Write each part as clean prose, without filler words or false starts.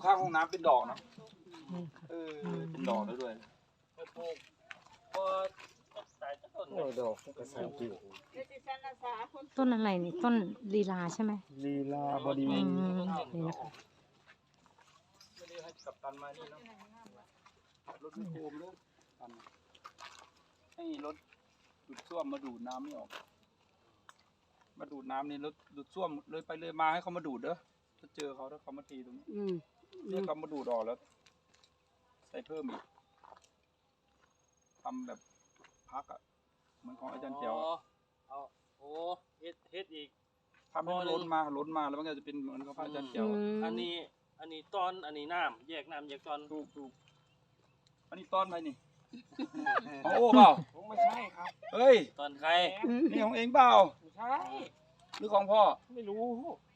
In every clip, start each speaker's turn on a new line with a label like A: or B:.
A: ข้างห้องน้ำเป็นดอกนะเป็นดอกได้ด้วยดอกกระสับอยู่
B: ต้นอะไรนี่ต้นลีลาใช่ไหม
A: ลีลาบดี
B: นี่นะคะ
A: ไม่ได้ให้กับตันมานี่เนาะรถไม่โคมเลยตันให้รถดูดซ่วมมาดูดน้ำไม่ออกมาดูดน้ำนี่รถดูดซ่วมเลยไปเลยมาให้เขามาดูดเด้อถ้าเจอเขาถ้าเขามาทีตรงนี้เรียกเขามาดูดออกแล้วใส่เพิ่มอีกทำแบบพักอ่ะเหมือนของอาจารย์แจ๋ว
C: เอาโอ้เฮ็ดอีก
A: ทำให้ล้นมาแล้วมันก็จะเป็นเหมือนของอาจารย์แจ๋ว
C: อันนี้ตอนอันนี้น้ำแยกตอน
A: ถูกอันนี้ตอนอะไรนี่ของโอ้เปล่า
C: ไม่ใช่ครับ
A: เฮ้ย
C: ตอนใคร
A: นี่ของเองเปล่า
C: ไม่ใช่
A: หรือของพ่อ
C: ไม่รู้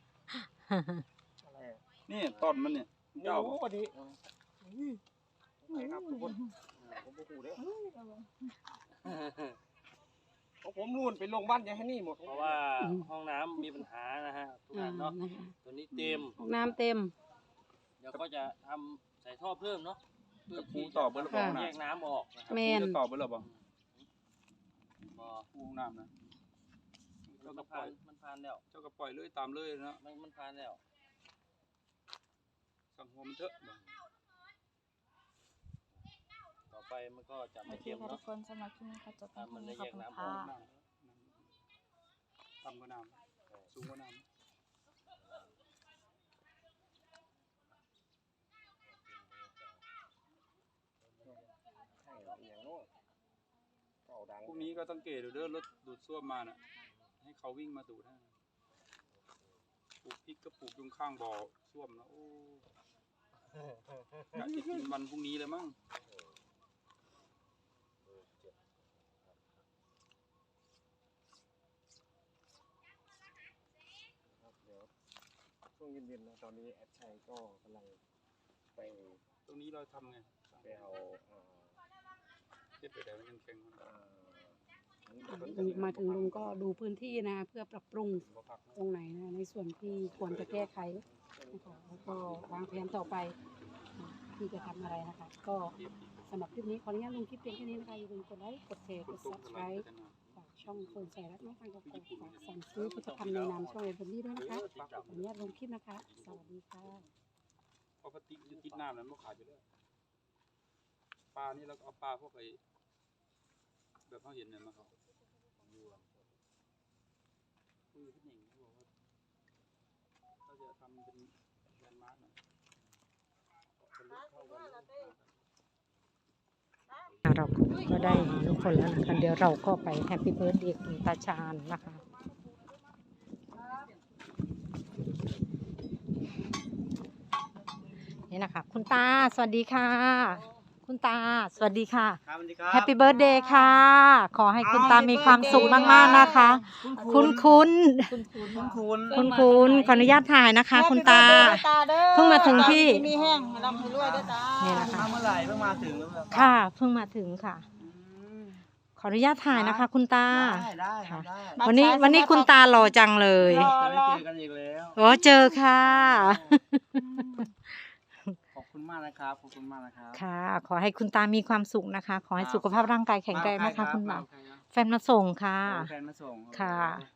A: อะไรนี่ตอนมันเนี่ย
C: ไม่รู้พอดีใช่ครับทุกคนผมไม่รู้เด้อผมนู่นไปลงบ้านยายฮันนี่หมดเพราะว่าห้องน้ำมีปัญหานะฮะทุกท่านเนาะตัวนี้เต็ม
B: ห้องน้ำเต็ม
C: เดี๋ยวก็จะทำใส่ท่อเพิ่มเนาะ
A: เพื่อปูต่อเบอร์ระบบ
C: แยกน้ำออกนะครับ
A: จะต่อเบอร์ระบบปูน้ำนะ
C: เจ้าก็ผ่านแล้ว
A: เจ้าก็ปล่อยเลยตามเลยนะ
C: มันผ่านแล้ว
A: สั่งหัวมันเถอะ
C: ต่อไปมันก็จะไม่เค็มเนาะ
D: คนสำหรับที่นี่เขาจะทำ
C: มันได้แยกน้ำออก
A: ต่ำกว่าน้ำสูงกว่าน้ำพรุ่งนี้ก็ต้องเกตเด้อรถดูดซ่วมมาน่ะให้เขาวิ่งมาดูดให้ปลูกพริกก็ปลูกตรงข้างบ่อซ่วมนะโอ้อยากจะกินวันพรุ่งนี้เลยมั้ง
C: ช่วงเย็นๆนะตอนนี้แอดชัยก็กำลังไป
A: ตรงนี้เราทำไง
C: ไปเอา
A: เก็บไปได้ยังแข็ง
B: มาถึงลุงก็ดูพื้นที่นะเพื่อปรับปรุงตรงไหนนะในส่วนที่ควรจะแก้ไขนะคะแล้วก็วางแผนต่อไปที่จะทำอะไรนะคะก็สำหรับคลิปนี้ขออนุญาตลงคลิปเพียงแค่นี้นะคะอย่าลืมกดไลค์กดแชร์กด Subscribe ฝากช่องคนใส่รักน้องฟังกับฝากสั่งซื้อผลิตภัณฑ์ในนามช่องเอ็นพนี่ด้วยนะคะขออนุญาตลงคลิปนะคะสวัสดีค่ะ
A: ปกติจะติดน้ำนั้นไม่ขาดอยู่แล้วปลานี่เราเอาปลาพวกไอ้แบบเขาเห็นเนี่ยมาเขาคุยขึ้นหนึ่งเขาบอกว่าเขาจะทำเป็นแลนด์มาร์กหน่อย
B: เราก็ได้ทุกคนแล้วนะคะเดี๋ยวเราก็ไปแฮปปี้เบิร์ธเดย์คุณตาชาญนะคะนี่นะคะคุณตาสวัสดีค่ะคุณตาสวัสดีค่ะแฮปปี้เบิร์ธเดย์ค่ะขอให้คุณตามีความสุขมากๆนะคะคุณขออนุญาตถ่ายนะคะคุณตาเพิ่งมาถึงที่
D: มีแห้งร่ำให้รวยด้วยตา
B: นี่นะคะ
C: เมื่อไหร่เพิ่งมาถึง
B: ค่ะเพิ่งมาถึงค่ะขออนุญาตถ่ายนะคะคุณตา
C: ได้ค่ะ
B: วันนี้คุณตาหล่อจังเลย
C: เจอกันอีกแล้ว
B: โอ้เจอค่ะ
C: ขอบคุณมากนะครับขอบคุณมากนะครับ
B: ค่ะขอให้คุณตามีความสุขนะคะขอให้สุขภาพร่างกายแข็งแรงนะคะคุณตาแฟนมาส่งค่ะ
C: แฟนมาส่ง
B: ค่ะ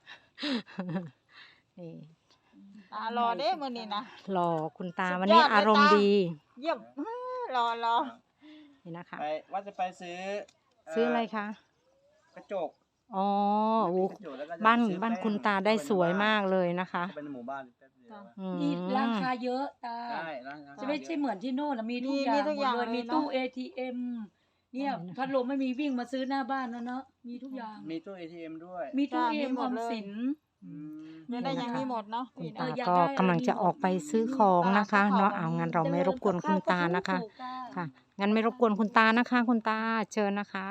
B: นี่
D: รอเด้มื้อนี้นะ
B: รอคุณตาวันนี้อารมณ์ดี
D: เยี่ยมรอ
B: นี่นะคะ
C: ว่าจะไปซื้
B: ออะไรคะ
C: กระจก
B: อ๋อบ้านคุณตาได้สวยมากเลยนะคะ
C: เป็นหมู่บ้าน
E: มีร้านค้าเยอะตาจะไม่ใช่เหมือนที่โน่นมีทุกอย่างเลยมีตู้ ATM เนี่ยพัดลมไม่มีวิ่งมาซื้อหน้าบ้านแล้วเนาะมีทุกอย่าง
C: มีตู้ ATM ด้วย
E: มีตู้ ATM ออมสิน
D: ไม่ได้ยังมีหมดเนาะ
B: คุณตาก็กำลังจะออกไปซื้อของนะคะเนาะเอางั้นเราไม่รบกวนคุณตานะคะค่ะงั้นไม่รบกวนคุณตานะคะคุณตาเชิญนะคะ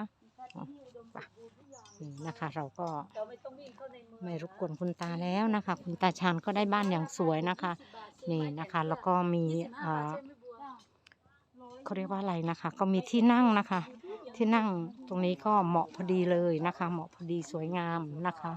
B: นะคะเราก็ไม่รบกวนคุณตาแล้วนะคะคุณตาชาญก็ได้บ้านอย่างสวยนะคะนี่นะคะแล้วก็มีเขาเรียกว่าอะไรนะคะก็มีที่นั่งนะคะที่นั่งตรงนี้ก็เหมาะพอดีเลยนะคะเหมาะพอดีสวยงามนะคะ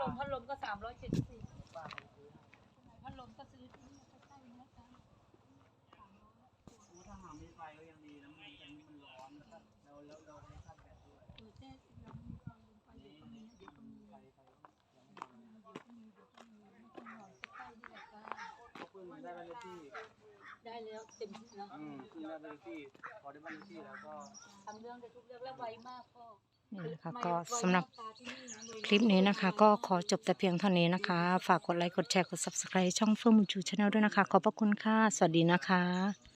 E: พัดลมก็370พัดลมก็ซื้อที่นี่ใกล้ๆนะคะ
C: ถ้าหาไม่ไฟก็ยังดีนะมันจะมันร้อนนะครับเราไม่ชาร์จแบตด้วย
E: แจ้เรามีความลงไปเดี๋ยวก็มีเดี๋ยวก็มี
C: ไฟ
E: เดี๋ยวก็มีไม่ต้องหน่อยใกล้ๆนี่แหละค่ะ
C: เขาเพิ่งได้บ้านเลขที่
E: ได้แล้วเต็มที่แล้ว
C: เพิ่งได้บ้านเลขที่พอได้บ้านเลขที่แล้วก็
E: ทำเรื่องได้ทุกเรื่องแล้วไวมากพ่อ
F: นี่นะคะก็สำหรับคลิปนี้นะคะ ก็ขอจบแต่เพียงเท่านี้นะคะ ฝากกดไลค์กดแชร์กด subscribe ช่องเฟื่องบุญชูชาแนลด้วยนะคะ ขอบพระคุณค่ะ สวัสดีนะคะ